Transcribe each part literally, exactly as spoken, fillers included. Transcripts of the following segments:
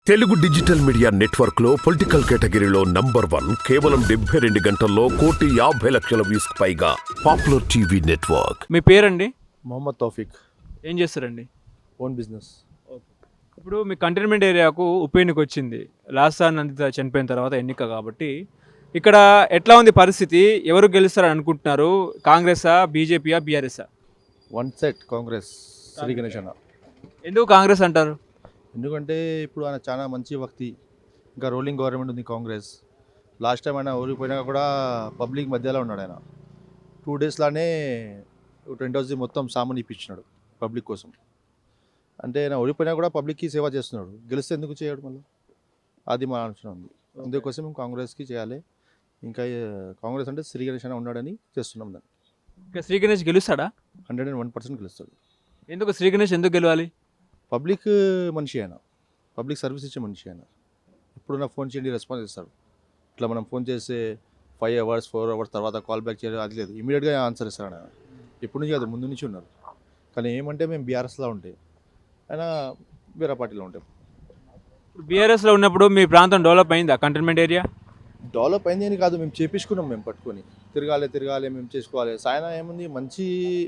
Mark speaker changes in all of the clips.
Speaker 1: Telugu digital media network లో political కేటగిరీలో number one కేవలం డెబ్బై రెండు గంటల్లో కోటి యాభై లక్షల వ్యూస్ పైగా పాపులర్ టీవీ నెట్వర్క్.
Speaker 2: మీ పేరండి?
Speaker 3: మొహమ్మద్ తౌఫీక్.
Speaker 2: ఏం చేస్తారండి?
Speaker 3: Own business.
Speaker 2: ఇప్పుడు మీ కంటైన్మెంట్ ఏరియాకు ఉప ఎన్నిక వచ్చింది. లాస్ట్ సార్ నందిత చనిపోయిన తర్వాత ఎన్నిక కాబట్టి ఇక్కడ ఎట్లా ఉంది పరిస్థితి? ఎవరు గెలుస్తారని అనుకుంటున్నారు? కాంగ్రెసా, బీజేపీయా, బీఆర్ఎస్ఆ?
Speaker 3: One set Congress. శ్రీ గణేష్ అన్న.
Speaker 2: ఎందుకు కాంగ్రెస్ అంటారు?
Speaker 3: ఎందుకంటే ఇప్పుడు ఆయన చాలా మంచి వ్యక్తి. ఇంకా రోలింగ్ గవర్నమెంట్ ఉంది కాంగ్రెస్. లాస్ట్ టైం ఆయన ఓడిపోయినా కూడా పబ్లిక్ మధ్యలో ఉన్నాడు. ఆయన టూ డేస్లోనే టెన్ హౌస్ మొత్తం సామాన్ ఇప్పించినాడు పబ్లిక్ కోసం. అంటే ఆయన ఓడిపోయినా కూడా పబ్లిక్కి సేవ చేస్తున్నాడు. గెలిస్తే ఎందుకు చేయడు మళ్ళీ? అది మా ఆలోచన ఉంది. అందుకోసం మేము కాంగ్రెస్కి చేయాలి. ఇంకా కాంగ్రెస్ అంటే శ్రీ గణేష్ అన్న ఉన్నాడని చేస్తున్నాం దాన్ని.
Speaker 2: ఇంకా శ్రీ గణేష్ గెలుస్తాడా?
Speaker 3: హండ్రెడ్ అండ్ వన్ పర్సెంట్ గెలుస్తాడు.
Speaker 2: ఎందుకు శ్రీ గణేష్ ఎందుకు గెలవాలి?
Speaker 3: పబ్లిక్ మనిషి ఆయన, పబ్లిక్ సర్వీస్ ఇచ్చే మనిషి ఆయన. ఇప్పుడు నా ఫోన్ చేయండి రెస్పాన్స్ ఇస్తాడు. ఇట్లా మనం ఫోన్ చేస్తే ఫైవ్ అవర్స్ ఫోర్ అవర్స్ తర్వాత కాల్ బ్యాక్ చేయాలి అది లేదు, ఇమీడియట్గా ఆన్సర్ ఇస్తాడు ఆయన. ఇప్పుడు నుంచి కాదు, ముందు నుంచి ఉన్నారు. కానీ ఏమంటే మేము బీఆర్ఎస్లో ఉంటే ఆయన వేరే పార్టీలో ఉంటాం.
Speaker 2: బీఆర్ఎస్లో ఉన్నప్పుడు మీ ప్రాంతం డెవలప్ అయిందా? కంటైన్మెంట్ ఏరియా
Speaker 3: డెవలప్ అయింది అని కాదు, మేము చేపించుకున్నాం. మేము పట్టుకొని తిరగాలి తిరగాలి మేము చేసుకోవాలి. సాయన ఏముంది, మంచి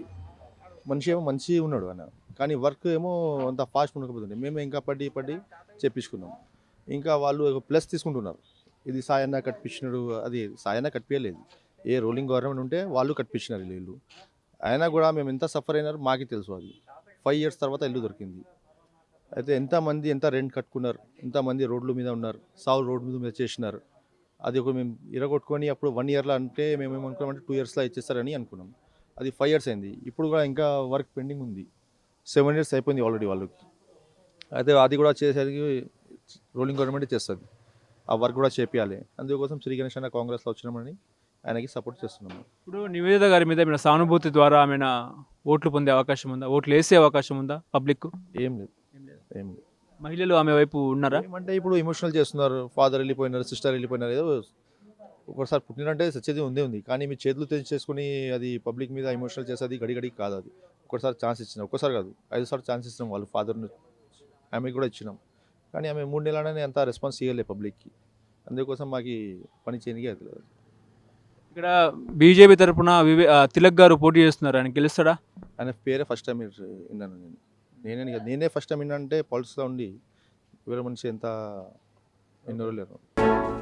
Speaker 3: మనిషి ఏమో మంచి ఉన్నాడు ఆయన, కానీ వర్క్ ఏమో అంత ఫాస్ట్ ఉండకపోతుంది. మేము ఇంకా పడి పడి చేపించుకున్నాం. ఇంకా వాళ్ళు ప్లస్ తీసుకుంటున్నారు. ఇది సాయన్న కట్టించినాడు, అది సాయన్న కట్టించలేదు. ఏ రూలింగ్ గవర్నమెంట్ ఉంటే వాళ్ళు కట్టించినారు ఇల్లు. అయినా కూడా మేము ఎంత సఫర్ అయినారు మాకు తెలుసు. అది ఫైవ్ ఇయర్స్ తర్వాత ఇల్లు దొరికింది. అయితే ఎంతమంది ఎంత రెంట్ కట్టుకున్నారు, ఎంతమంది రోడ్ల మీద ఉన్నారు, సావు రోడ్డు మీద చేసినారు. అది ఒక మేము ఇరగొట్టుకొని అప్పుడు వన్ ఇయర్లో అంటే మేము ఏమనుకున్నామంటే టూ ఇయర్స్లో ఇచ్చేస్తారని అనుకున్నాం. అది ఫైవ్ ఇయర్స్ అయింది. ఇప్పుడు కూడా ఇంకా వర్క్ పెండింగ్ ఉంది. సెవెన్ ఇయర్స్ అయిపోయింది ఆల్రెడీ వాళ్ళకి. అయితే అది కూడా చేసేది రూలింగ్ గవర్నమెంట్ చేస్తుంది. ఆ వర్క్ కూడా చేపియాలి. అందుకోసం శ్రీ గణేష్ అన్న కాంగ్రెస్లో వచ్చినామని ఆయనకి సపోర్ట్ చేస్తున్నాము.
Speaker 2: ఇప్పుడు నివేదిత గారి మీద ఏమైనా సానుభూతి ద్వారా ఆమె ఓట్లు పొందే అవకాశం ఉందా? ఓట్లు వేసే అవకాశం ఉందా పబ్లిక్?
Speaker 3: ఏం లేదు, ఏం లేదు.
Speaker 2: మహిళలు ఆమె వైపు ఉన్నారా?
Speaker 3: ఏమంటే ఇప్పుడు ఎమోషనల్ చేస్తున్నారు. ఫాదర్ వెళ్ళిపోయినారు, సిస్టర్ వెళ్ళిపోయినారు. ఏదో ఒకసారి పుట్టినంటే సచ్చేది ఉందే ఉంది. కానీ మీ చేతులు తెచ్చి చేసుకుని అది పబ్లిక్ మీద ఎమోషనల్ చేసేది గడి గడికి కాదు. అది ఒకసారి ఛాన్స్ ఇచ్చినాం, ఒక్కసారి కాదు ఐదు సార్లు ఛాన్స్ ఇచ్చినాం. వాళ్ళు ఫాదర్ని ఆమెకి కూడా ఇచ్చినాం. కానీ ఆమె మూడు నెలలనే అంత రెస్పాన్స్ ఇవ్వలేదు పబ్లిక్కి. అందుకోసం మాకు పని చేయడానికి అవుతుంది.
Speaker 2: ఇక్కడ బీజేపీ తరఫున వివే తిలక్ గారు పోటీ చేస్తున్నారు. ఆయన గెలుస్తాడా?
Speaker 3: ఆయన పేరే ఫస్ట్ టైం విన్నాను నేను. నేనే కాదు, నేనే ఫస్ట్ టైం విన్నా. అంటే పాలిటిక్స్లో ఉండి వేరే మనిషి ఎంత ఎన్నో లేరు.